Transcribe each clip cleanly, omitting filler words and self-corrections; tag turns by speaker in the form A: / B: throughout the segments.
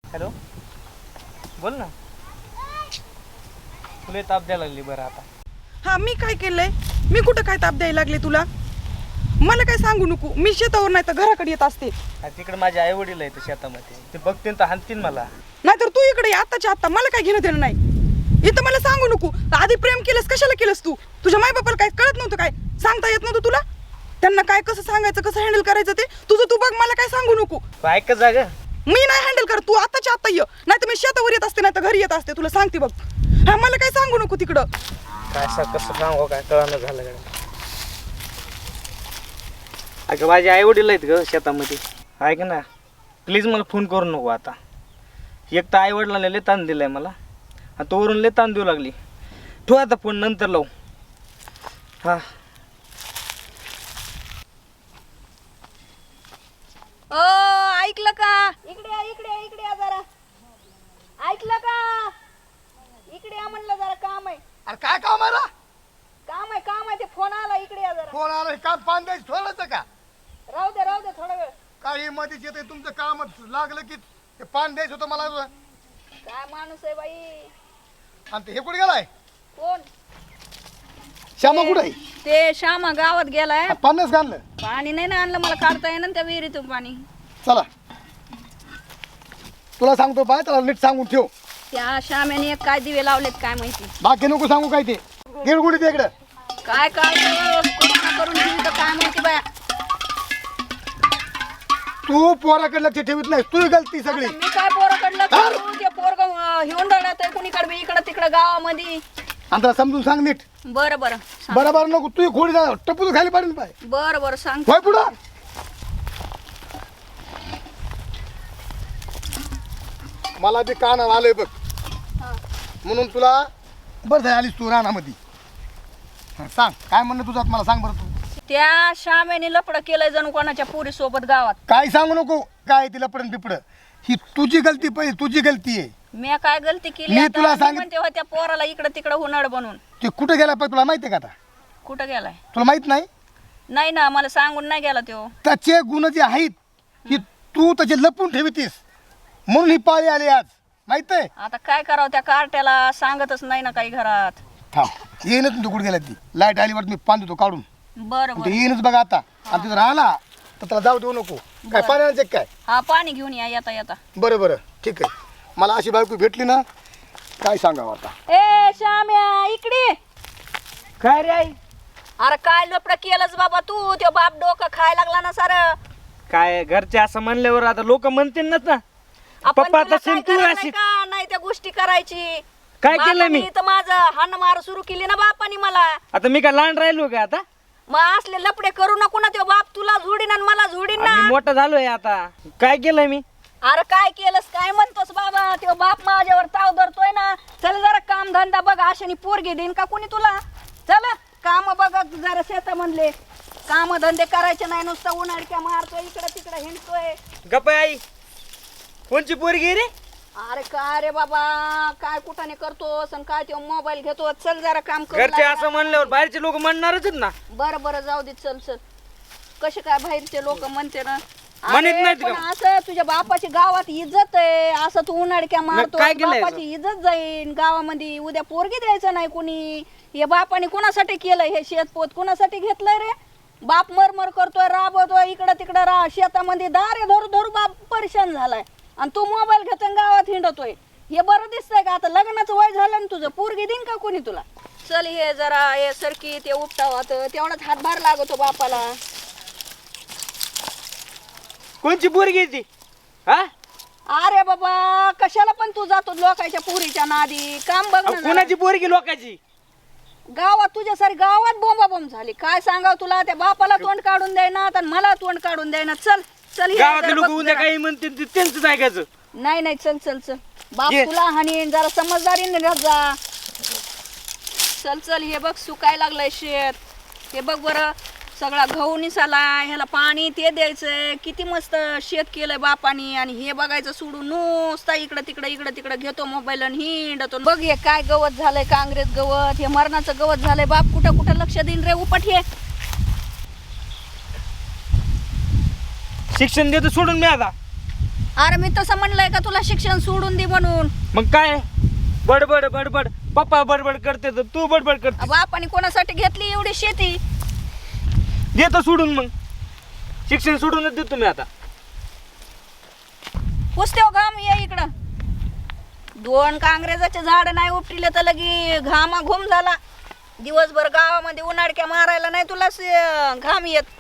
A: Hello, बोल ना. तुला ताप द्यायला लागली बरं आता.
B: हा, मी काय केलंय? मी कुठं काय ताप द्यायला लागले तुला? मला काय सांगू नको. मी शेतावर नाही तर घराकडे येत असते.
A: तिकडे माझे आई वडील आहेत शेतामध्ये, ते बघतील तर हाणतील मला.
B: नाहीतर तू इकडे आत्ताच्या आत्ता. मला काय घेणं देणं नाही. इथं मला सांगू नको. आधी प्रेम केलंस कशाला केलंस तू? तुझ्या माय बापाला काय कळत नव्हतं? काय सांगता येत नव्हतं तुला? त्यांना काय कसं सांगायचं, कसं हँडल करायचं ते तुझं तू बघ. मला काय सांगू नको.
A: ऐक जागा.
B: मी नाही हँडल कर. तू आत्ताच्या आत्ता ये. नाही तर मी शेतावर येत असते, नाही तर घरी येत असते. तुला सांगते बघ. हा, मला काय सांगू नको तिकडं.
A: काय कसं सांगू, काय कळानं झालं काय. अगं माझे आई वडील आहेत ग शेतामध्ये. ऐक ना, प्लीज मला फोन करू नको आता. एक तर आई वडिलांना लय ताण दिलाय मला, आणि तो वरून लय ताण देऊ लागली. ठेव आता फोन, नंतर लावू. हा,
C: ओ ऐकलं का? इकडे या, इकडे या, इकडे या जरा. ऐकलं का? इकडे या म्हणलं, जरा काम आहे.
D: अरे काय काम आहे?
C: काम आहे ते फोन आला. इकडे या जरा.
D: फोन आला, काम पान द्यायचं थोडंच का?
C: राहू दे थोडा वेळ.
D: काही मध्येच येते तुमचं काम लागलं की ते पान द्यायचं होतं मला.
C: काय माणूस आहे बाई.
D: आणि ते हे कुठे गेलाय?
C: कोण?
D: श्यामा कुठे आहे?
C: ते श्यामा गावात गेलाय.
D: पानच घाललं.
C: पाणी नाही ना आणलं, मला काढता येईना त्या विहिरीतून पाणी.
D: चला, तुला सांगतो बाय, त्याला नीट सांगून ठेव.
C: त्या श्याम्याने एक काय दिवे लावलेत काय माहिती.
D: बाकी नको सांगू काय ते. गिरगुडी ते इकडं
C: काय करून ठेवतं काय माहिती बाया.
D: तू पोराकडे लक्ष ठेवीत नाही, तू गलती सगळी.
C: मी काय पोराकडलं करू? ते पोरग हिवून राहत आहे कुणीकडे इकडं तिकडं गावामध्ये.
D: आणि त्याला समजून सांग नीट.
C: बरं
D: बरोबर नको तू खोडी जा, टप्पू तू खाली पाडेल पाय.
C: बरं सांग.
D: होय पुढं. मला बी कान आलंय बघ, म्हणून तुला बरं झाली आलीस तू रानामध्ये. सांग काय म्हणणं तुझं, मला सांग बरं तू.
C: त्या श्यामेने लपडं केलंय जणू कोणाच्या पुरी सोबत गावात.
D: काय सांगू नको, काय तिला पडन बिपड. ही तुझी गलती, पहिली तुझी गलती आहे.
C: मी काय गलती केली?
D: मी
C: आता
D: तुला
C: मी म्हणते होत्या पोराला इकडं तिकडं हुनाड बनून.
D: ते कुठे गेला पाहिजे तुला माहिती आहे का? आता
C: कुठं गेलाय?
D: तुला माहित नाही?
C: नाही ना, मला सांगून नाही गेला तो.
D: त्याचे गुण जे आहेत की तू त्याचे लपून ठेवतीस, म्हणून ही पाळी आली आज, माहित आहे?
C: आता काय करावं, त्या कार्ट्याला सांगतच नाही ना काही घरात.
D: थांब, येईनच तू कुठे गेला. ती लाईट आलीवर मी पान देतो काढून.
C: बरं
D: ते येईनच बघा आता. आणि तिथं राहिला तर त्याला जाऊ देऊ नको. काय पाण्याचे काय?
C: हा, पाणी घेऊन या येता.
D: बरं ठीक आहे. मला अशी बायको भेटली ना, काय सांगावं आता.
C: ए श्याम्या, इकडे.
A: काय रे आई?
C: अरे काय लपडं केलंच बाबा तू? त्यो बाप डोकं खायला लागला ना सारं.
A: काय घरचे असं म्हणल्यावर आता लोक म्हणतील ना.
C: आपण
A: पप्पा
C: तुला
A: तशी
C: काय
A: तू
C: करायला
A: अशी
C: का नाही त्या गोष्टी करायची?
A: काय केलं
C: बापाने
A: मी?
C: इथं माझं हाण मार सुरू केली ना बापानी मला.
A: आता मी काय लहान राहिलो का आता?
C: मग असले लपडे करू नको ना. त्यो बाप तुला झोडीन आणि मला झोडीन ना.
A: मी मोठा झालोय आता. काय केलंय मी?
C: अरे काय केलंस, काय म्हणतोस बाबा? त्यो बाप माझ्यावर ताव धरतोय ना. चल जरा काम धंदा बघ. अशाने पोरगी देईन का कोणी तुला? चल काम बघ जरा शेतामधले. काम धंदे करायचे नाही, नुसतं उन्हाळक्या मारतोय, इकडं तिकडं हिंडतोय.
A: गप्पा आई, कोणची पोरगी रे?
C: अरे काय रे बाबा, काय कुठाने करतोस आणि काय त्यो मोबाईल घेतो. चल जरा काम कर.
A: घरचे असं म्हणल्यावर बाहेरचे लोक म्हणणारच ना.
C: बरं जाऊ दे. चल कसे काय बाहेरचे लोक म्हणते ना.
A: म्हणत
C: अरे,
A: नाहीत
C: पण
A: का?
C: असं तुझ्या बापाची गावात इज्जत आहे. असं तू उन्हाळक्या मारतो,
A: काय केलंय
C: बापाची इज्जत जाईन गावामध्ये. उद्या पोरगी द्यायचं नाही कुणी. हे बापाने कुणासाठी केलंय? हे शेतपोत कुणासाठी घेतलंय रे? बाप मरमर करतोय, राबवतोय, इकडं तिकडं शेतामध्ये दारे धरू बाप परेशान झालाय. आणि तू मोबाईल घेतोय गावात हिंडतोय. हे बरं दिसतंय का? आता लग्नाचं वय झालं ना तुझं, पोरगी देईन का कोणी तुला? चल हे जरा हे सरकी ते उपटावात, तेवढाच हातभार लागतो बापाला.
A: कोणची पोरगी ती? हा,
C: अरे बाबा, कशाला पण तू जातो लोकांच्या पोरीच्या नादी? काम बघ ना जरा.
A: कोणाची पोरगी? लोकांची.
C: गावात तुझ्या सारी गावात बोंबाबोंब झाली. काय सांगाव तुला? त्या बापाला तोंड काढून द्यायना आणि मला तोंड काढून द्यायना. चल हे
A: गावातले
C: जरा
A: लोक
C: बघ
A: उद्या
C: जरा.
A: काही म्हणतील त्यांचंच ऐकायचं.
C: नाही चल बाप
A: ये.
C: तुला हाणीन, जरा समजदारीने राहत जा. चल हे बघ सुकाय लागलंय शेत. हे बघ बरं, सगळा गहू निसाला, ह्याला पाणी ते द्यायचंय. किती मस्त शेत केलंय बापानी. आणि हे बघायचं सोडून नुसता इकडं तिकडं घेतो मोबाईल आणि हिंडतो. बघ हे काय गवत झालंय, काँग्रेस गवत, हे मरणाचं गवत झालंय. बाप कुठं लक्ष देईन रे? उपट हे.
A: शिक्षण देतो सोडून मी आता.
C: अरे मी तसं म्हणलंय का तुला शिक्षण सोडून दे म्हणून?
A: मग काय बडबड बडबड पप्पा बडबड करते तर तू बडबड करते.
C: बापाने कोणासाठी घेतली एवढी शेती?
A: देतो सोडून, मग शिक्षण सोडूनच देतो मी आता.
C: पुसते हो घाम, ये इकडं. 2 कांग्रेसाचे झाड नाही उपटिले तर लगी घामा घुम झाला. दिवसभर गावामध्ये उन्हाळक्या मारायला नाही तुला घाम येत.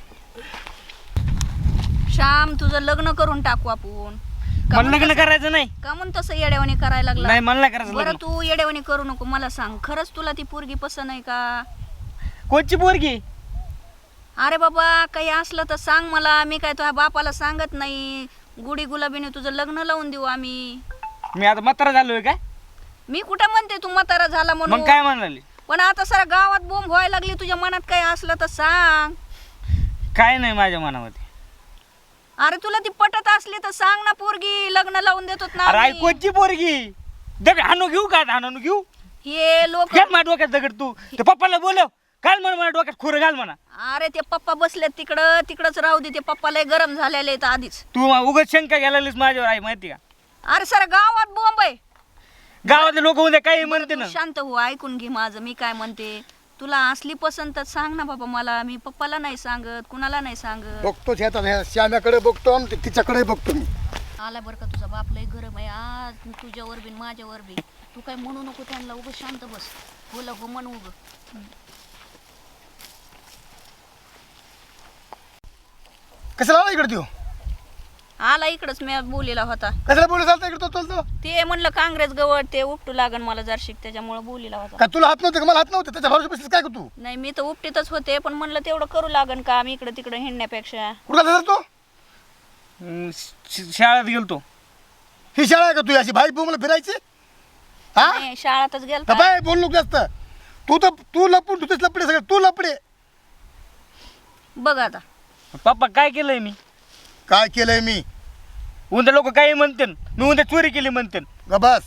C: श्याम, तुझं लग्न करून टाकू आपण.
A: मला लग्न करायचं नाही.
C: का म्हणून तसं येड्यावानी करायला लागला?
A: नाही, मला नाही करायचं
C: बरं
A: लग्न.
C: तू येड्यावानी करू नको. मला सांग, खरंच तुला ती पोरगी पसंत आहे का?
A: कोणची पोरगी?
C: अरे बाबा, काही असलं तर सांग मला. मी काय तुझ्या बापाला सांगत नाही. गुढी गुलाबीने तुझं लग्न लावून देऊ आम्ही.
A: मी आता म्हातारा झालोय काय?
C: मी कुठं म्हणते तू म्हातारा झाला
A: मग
C: म्हणून.
A: काय म्हणाली?
C: पण आता सारा गावात बोंब व्हायला लागली. तुझ्या मनात काही असलं तर सांग.
A: काय नाही माझ्या मनामध्ये.
C: अरे तुला ती पटत असली तर सांग ना, पोरगी लग्न लावून देतो ना
A: अरे आई,
C: आम्ही.
A: कोणची पोरगी? दगड हाणू घेऊ का? हाणू घेऊ?
C: हे लोक.
A: घाल माझ्या डोक्यात दगड तू. ते पप्पाला बोलव, घाल म्हणा माझ्या डोक्यात खोरं घाल म्हणा.
C: अरे ते पप्पा बसलेत तिकडच राहू दे. ते पप्पाला गरम झालेले आहेत आधीच.
A: तू उगाच शंका घ्यायला लागलीस माझ्यावर आई, माहिती का?
C: अरे सारा गावात बोंब आहे.
A: गावातले लोक उद्या काही म्हणते
C: तू
A: ना.
C: शांत हो, ऐकून घे माझं. मी काय म्हणते, तुला असली पसंत तर सांग ना बाबा मला. मी पप्पाला नाही सांगत, कुणाला नाही सांगत.
D: बघतो ह्या श्याम्याकडे बघतो आणि तिच्याकडे बघतो मी.
C: आला बरं का तुझा बाप लय गरम आहे आज. तुझ्यावर बी माझ्यावर बी. तू काय म्हणू नको त्यांना. उगं शांत बस. बोला हो म्हण उगं.
D: कशाला आला इकडे तू?
C: आला इकडंच, मी बोलीला होता.
D: कशाला बोलू चालतं इकडे तो चालतो?
C: ते म्हणलं काँग्रेस गवळ ते उपटू लागन मला जरशिक, त्याच्यामुळे बोलीला होता.
D: का तुला हात नव्हते का? मला हात नव्हते. त्याच्या भरोसा बसलीस काय का तू?
C: नाही, मी तर उपटीतच होते, पण म्हणलं तेवढं करू लागन का मी इकडे तिकडे हिंडण्यापेक्षा.
D: कुठला जातो?
A: शाळेत गेलतो.
D: ही शाळा आहे का तू? अशी भाई मला फिरायची? हा?
C: नाही, शाळातच गेल.
D: तर बाय बोल नको जास्त. तू लपून तुझेच लपडे सगळे. तू लपडे.
C: बघ आता
A: पप्पा काय केलंय मी?
D: काय केलंय मी?
A: उद्या लोक काही म्हणते, मी उद्या चोरी केली म्हणते.
D: बस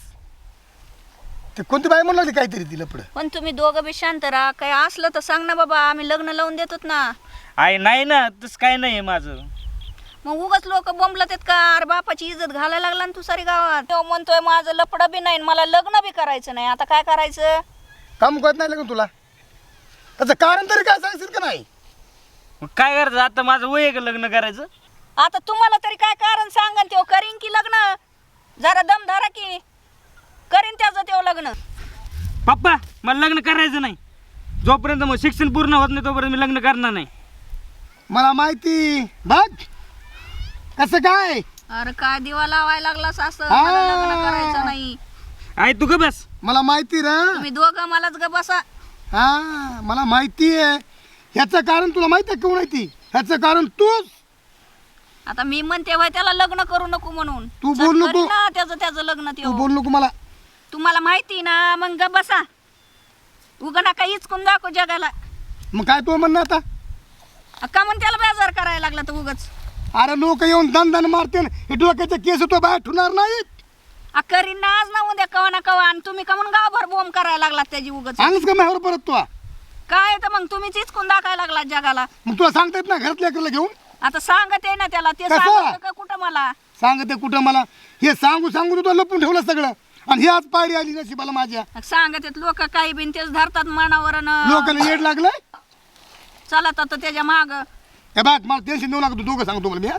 D: ते कोणती बाई म्हणून लागली काहीतरी ती लपड.
C: पण तुम्ही दोघं बी शांत राहा. काही असलं तर सांग ना बाबा, आम्ही लग्न लावून देतोत ना.
A: आई नाही ना, तसं काय नाही माझं.
C: मग उगाच लोक बोंबलत आहेत का? अरे बापाची इज्जत घालायला लागला ना तू सारी गावात. तो म्हणतोय माझं लपड बी नाही, मला लग्न बी करायचं नाही. आता काय करायचं?
D: काम कळत नाही लागून तुला? त्याचं कारण तरी काय सांगशील का नाही?
A: मग काय करायचं आता? माझं वय आहे का लग्न करायचं?
C: आता तुम्हाला तरी काय कारण सांगा. तो करीन की लग्न? जरा दम धरा की. करीन त्याचं तो लग्न.
A: पप्पा मला लग्न करायचं नाही. जोपर्यंत मग शिक्षण पूर्ण होत नाही तोपर्यंत मी लग्न करणार नाही.
D: मला माहिती. बघ कसं काय.
C: अरे काय दिवा लावायला लागलास असं?
D: हा.
C: मला लग्न करायचं नाही.
A: आई तू का बस.
D: मला माहिती रे.
C: तुम्ही दोघं मलाच ग बसा.
D: हा मला माहिती आहे. ह्याचं कारण तुला माहिती आहे? कोण आहे ती? ह्याचं कारण तूच.
C: आता मी म्हणते व्हय त्याला लग्न करू नको म्हणून.
D: तू
C: चल
D: बोल नको.
C: करीन ना त्याचं लग्न
D: तू
C: त्यो.
D: बोल नको मला.
C: तुम्हाला माहिती ना, मग ग बसा. उगा नका इचकून दाखव जगाला.
D: मग काय तू म्हणणं आता?
C: का म्हणून त्याला बेजार करायला लागला तर उगाच?
D: अरे लोक येऊन दन मारते. हे डोक्याचे केस तो बाहेर ठेवणार नाहीत.
C: करीन ना आज ना उद्या कवा ना कवा. आणि तुम्ही का म्हणून गावभर बोंब करायला लागलात त्याची उगाच?
D: आणच का माझ्यावर परत तू?
C: काय तर मग तुम्हीच इचकून दाखवायला लागलात जगाला.
D: मग तुला सांगता येत ना घरातल्या लेकराला घेऊन?
C: आता सांगत आहे ना त्याला. ते
D: कसं?
C: सांगत का कुठं मला?
D: सांगते कुठं मला? हे सांगू सांगू तू लपून ठेवलं सगळं. आणि ही आज पायरी आली नशिबाला माझ्या.
C: सांगत आहेत लोक काही बिन तेच धरतात मनावर.
D: लोकांना येड लागलंय.
C: चला तर त्याच्या माग.
D: हे बघ मला टेन्शन देऊ लागतो. तू दोघं सांगतो मला मी.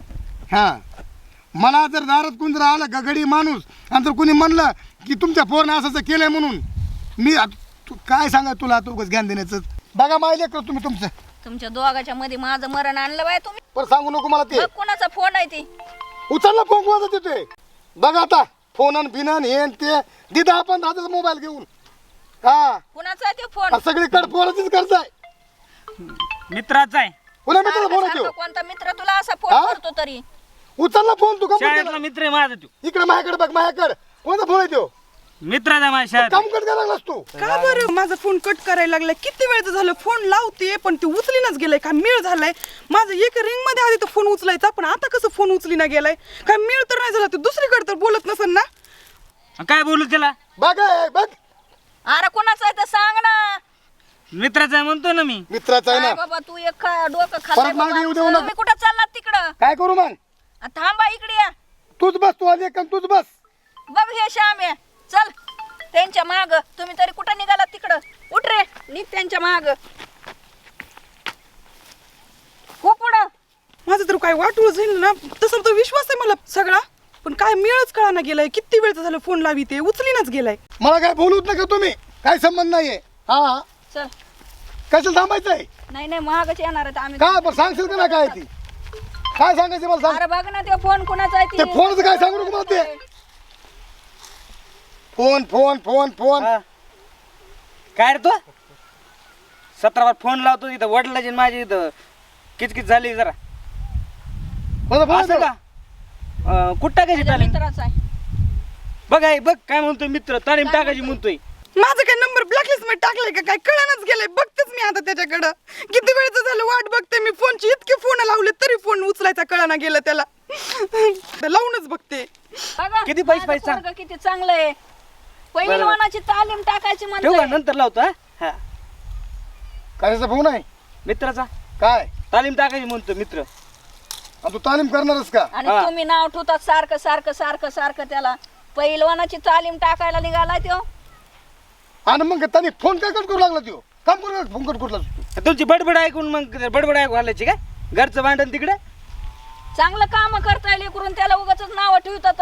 D: हा मला जर दारात कोण जर आलं गगडी माणूस आणि जर कोणी म्हणलं की तुमच्या पोरनं असं केलंय म्हणून मी तू काय सांगा तुला उगाच ज्ञान देण्याचं. बघा माहिले कर तुम्ही तुमचं.
C: तुमच्या दोघाच्या मध्ये माझं मरण आणलं बाय तुम्ही.
D: पण सांगू नको मला ते.
C: बघ कुणाचा फोन आहे ते.
D: उचलला फोन कोणाचा देतोय? बघा आता फोन आणि बिनन हे आणि ते दिदा आपण हातात मोबाईल घेऊन. हा
C: कुणाचा आहे ते फोन?
D: सगळीकडे फोनचीच गरज आहे.
A: मित्राचा आहे.
D: कोणा मित्राला फोन
C: सारखं
D: आहे?
C: कोणता मित्र तुला असा
D: हा?
C: फोन करतो तरी?
D: उचलला फोन तू.
A: शाळेतला मित्र आहे माझा तू.
D: इकडे माझ्याकडे बघ. माझ्याकडे कोणता फोन आहे तो?
A: मित्राचा माझ्या शाळेत.
D: काम कट करायला लागलास तू.
B: का बरं माझा फोन कट करायला लागलाय? किती वेळचं झालं फोन लावते पण ते उचलीनच गेलाय. काय मेळ झालाय? माझं एक रिंग मध्ये आधी तो फोन उचलायचा, पण आता कसं फोन उचलीना गेलाय? काय मेळ तर नाही झाला? ते दुसरीकडे तर बोलत नसेल ना?
A: काय बोलू त्याला?
D: बघ बघ
C: अरे कुणाचा आहे तर सांग ना.
A: मित्राचा आहे म्हणतो ना मी.
D: मित्राचा आहे
C: काय
D: ना.
C: बाबा तू एक डोकं खाल्लंय
D: परत मागे
C: बाबा
D: येऊ देऊ
C: आमचं.
D: नका.
C: तुम्ही कुठं चाललात तिकडं?
D: काय करू मग?
C: थांबा इकडे या.
D: तूच बस, तू आली का तूच बस.
C: बघ हे श्याम आहे, चल त्यांच्या माग. तुम्ही तरी कुठं निघाला तिकडं? उठ रे, निघ त्यांच्या माग. हो पुढं.
B: माझं तर काय वाटूळ जाईल ना, तसं तर विश्वास आहे मला सगळा, पण काय मिळच कळाना गेलाय. किती वेळचं झालं फोन लावी ते उचलीनच गेलाय.
D: मला काय बोलूच नका तुम्ही, काय संबंध नाहीये. हा
C: चल.
D: कशाला थांबायचंय?
C: नाही नाही, मागच येणार आहेत आम्ही.
D: काय बरं सांगशील का ना काय ती? काय सांगायचं मला सांग.
C: अरे बघ ना, ते फोन कुणाचा आहे
D: ते फोनचं काय सांगू नको मला ते. फोन फोन फोन फोन
A: हा. काय रे तू 17 बार फोन लावतो इथं वडिलाची आणि माझी इथं किचकिच झाली जरा.
D: कोणता फोन
A: असं
D: आहे
A: का? कुठं टाकायची
C: माझ्या
A: तालीम?
C: मित्राचा आहे.
A: बघ आहे बघ काय म्हणतोय मित्र, तालीम टाकायची म्हणतोय.
B: माझं काय नंबर ब्लॅकलिस्ट मध्ये टाकलाय का काय कळानच गेलंय. बघतेच मी आता त्याच्याकडं. किती वेळचं झालं वाट बघते मी फोनची. इतके फोन लावले तरी फोन उचलायचा कळाना गेलं त्याला. लावूनच बघते.
C: बघा,
A: किती पैसे
C: माझं
A: पाहिजे सांग?
C: पोरगं किती चांगलं आहे. पहिलवानाची तालीम टाकायची
A: ठेवू का?
C: म्हणतोय.
A: नंतर लावतो. हा
D: कशाचा फोन आहे?
A: मित्राचा
D: काय
A: तालीम टाकायची म्हणतो मित्र.
D: आणि तू तालीम करणारच का?
C: आणि
A: हा.
C: तुम्ही नाव ठेवतात सारखं सारखं सारखं सारखं त्याला. पहिलवानाची तालीम टाकायला निघालाय तो.
D: आणि मग त्याने फोन काय कट करू लागला तो? काम करू फोन कट करू लागला.
A: तुमची बडबड ऐकून मग बडबड ऐकू घालायची काय? घरचं भांडण तिकडे.
C: चांगलं काम करता येईल करून त्याला उगाच नाव ठेवतात.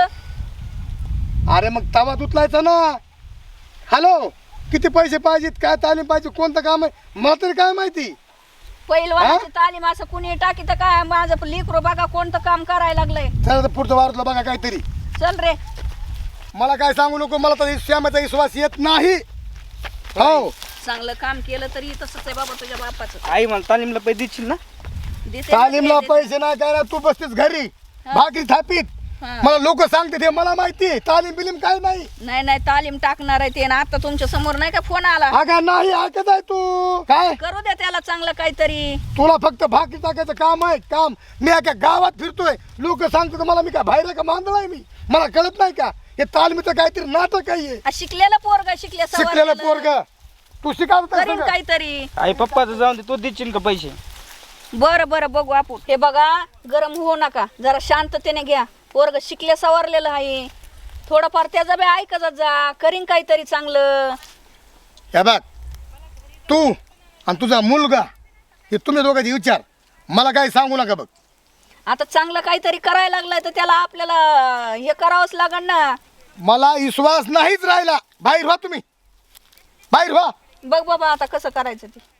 D: अरे मग तवा उचलायचा ना. हॅलो, किती पैसे पाहिजेत, काय तालीम पाहिजे, कोणतं काम आहे, मला तरी काय माहिती.
C: पहिलवानाची तालीम असं कुणी टाकीत काय? माझं लेकरू बघा कोणतं काम करायला लागलंय.
D: चला तर पुढचं वारतलं बघा काहीतरी.
C: चल रे.
D: मला काय सांगू नको, मला तर श्यामाचा विश्वास येत नाही. हो
C: चांगलं काम केलं तरी तसंच आहे बाबा तुझ्या बापाचं.
A: आई मला तालीमला पैसे देशील ना?
C: देते
D: तालीमला
C: ना, देते.
D: पैसे नाही काय ना, तू बसतेस घरी भाकरी थापीत.
C: हा.
D: मला लोक सांगते ते मला माहिती. तालीम बिलीम काय नाही.
C: नाही नाही, तालीम टाकणार आहे ते ना. आता तुमच्या समोर नाही का फोन आला?
D: अगा नाही ऐकत आहे तू काय.
C: करू द्या त्याला चांगलं काहीतरी.
D: तुला फक्त भाकरी टाकायचं काम आहे काम. मी एका गावात फिरतोय, लोक सांगतात मला मी काय बाहेर आहे का मांदळ आहे मी? मला कळत नाही का हे तालमीचं काहीतरी नाटक आहे.
C: शिकलेला पोरगा
D: शिकलेलं पोरग तू शिकावत
C: करीन काहीतरी.
A: आई पप्पाचं जाऊन दे, तू देशील का पैसे?
C: बरं बरं बघू आपण. हे बघा, गरम होऊ नका, जरा शांततेने घ्या. पोरग शिकले सवरलेलं आहे. थोडंफार त्याचा बी ऐकत जा. करीन काहीतरी चांगलं.
D: हे बघ, तू आणि तुझा मुलगा हे तुम्ही दोघांचे विचार, मला काही सांगू नका. बघ
C: आता चांगलं काहीतरी करायला लागलाय तर त्याला आपल्याला हे करावंच लागण ना.
D: मला विश्वास नाहीच राहिला. बाहेर व्हा तुम्ही, बाहेर व्हा.
C: बघ बाबा आता कसं करायचं ते.